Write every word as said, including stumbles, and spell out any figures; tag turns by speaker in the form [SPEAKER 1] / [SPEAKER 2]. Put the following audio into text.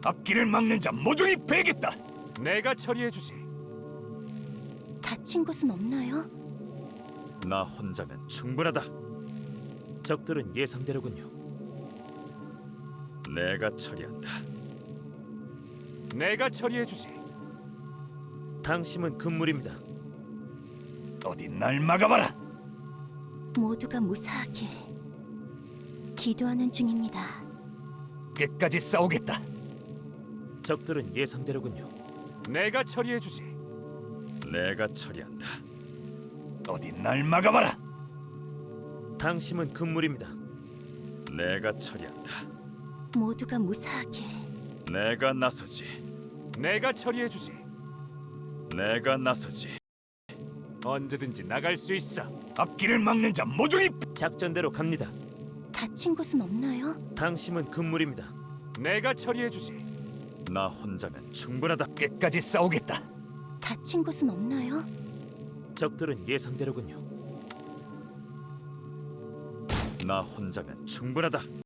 [SPEAKER 1] 앞길을 막는 자 모조리 베겠다.
[SPEAKER 2] 내가 처리해주지.
[SPEAKER 3] 다친 곳은 없나요?
[SPEAKER 2] 나 혼자면 충분하다. 적들은 예상대로군요. 내가 처리한다. 내가 처리해주지. 당신은 금물입니다.
[SPEAKER 1] 어디 날 막아봐라.
[SPEAKER 3] 모두가 무사하길 기도하는 중입니다.
[SPEAKER 1] 끝까지 싸우겠다.
[SPEAKER 2] 적들은 예상대로군요. 내가 처리해주지. 내가 처리한다.
[SPEAKER 1] 어디 날 막아봐라.
[SPEAKER 2] 당신은 금물입니다. 내가 처리한다.
[SPEAKER 3] 모두가 무사하길
[SPEAKER 2] 내가 나서지. 내가 처리해주지. 내가 나서지. 언제든지 나갈 수 있어.
[SPEAKER 1] 앞길을 막는 자 모조리
[SPEAKER 2] 작전대로 갑니다.
[SPEAKER 3] 다친 곳은 없나요?
[SPEAKER 2] 당신은 금물입니다. 내가 처리해주지. 나 혼자면 충분하다.
[SPEAKER 1] 끝까지 싸우겠다.
[SPEAKER 3] 다친 곳은 없나요?
[SPEAKER 2] 적들은 예상대로군요. 나 혼자면 충분하다.